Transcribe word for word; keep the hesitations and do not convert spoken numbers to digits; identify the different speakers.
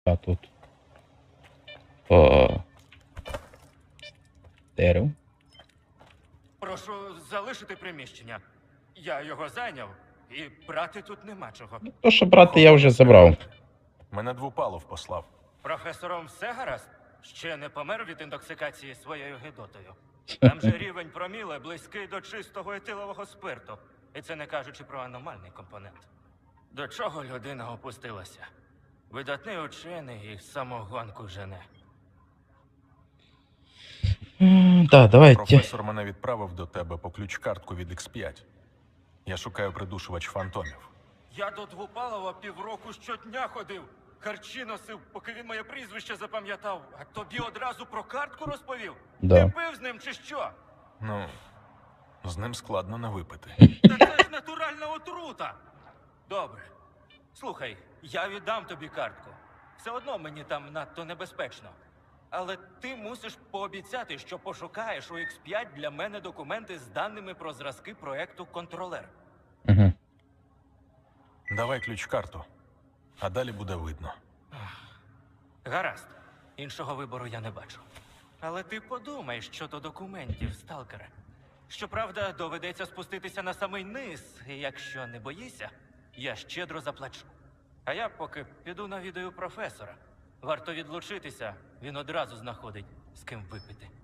Speaker 1: А тут. О. Дерево.
Speaker 2: Прошу залишити приміщення. Я його зайняв, і брати тут нема чого.
Speaker 1: То, що брати, я вже забрав.
Speaker 3: Мене Двупалов послав.
Speaker 2: Професором все гаразд? Ще не помер від інтоксикації своєю гидотою. Там же рівень проміле близький до чистого етилового спирту. І це не кажучи про аномальний компонент. До чого людина опустилася? Видатний учений і самогонку жене.
Speaker 1: Так, давайте.
Speaker 3: Професор мене відправив до тебе по ключ-картку від ікс п'ять. Я шукаю придушувач фантомів.
Speaker 2: Я до Двупалова півроку щодня ходив. Харчі носив, поки він моє прізвище запам'ятав. А тобі одразу про картку розповів?
Speaker 1: Да.
Speaker 2: Ти пив з ним чи що?
Speaker 3: Ну, з ним складно не випити.
Speaker 2: Та це ж натуральна отрута. Добре. Слухай, я віддам тобі картку. Все одно мені там надто небезпечно. Але ти мусиш пообіцяти, що пошукаєш у ікс п'ять для мене документи з даними про зразки проекту «Контролер».
Speaker 1: Угу.
Speaker 3: Давай ключ-карту, а далі буде видно.
Speaker 2: Гаразд. Іншого вибору я не бачу. Але ти подумай щодо документів, сталкере. Щоправда, доведеться спуститися на самий низ, і якщо не боїшся, я щедро заплачу. А я поки піду навідаю професора. Варто відлучитися, він одразу знаходить, з ким випити.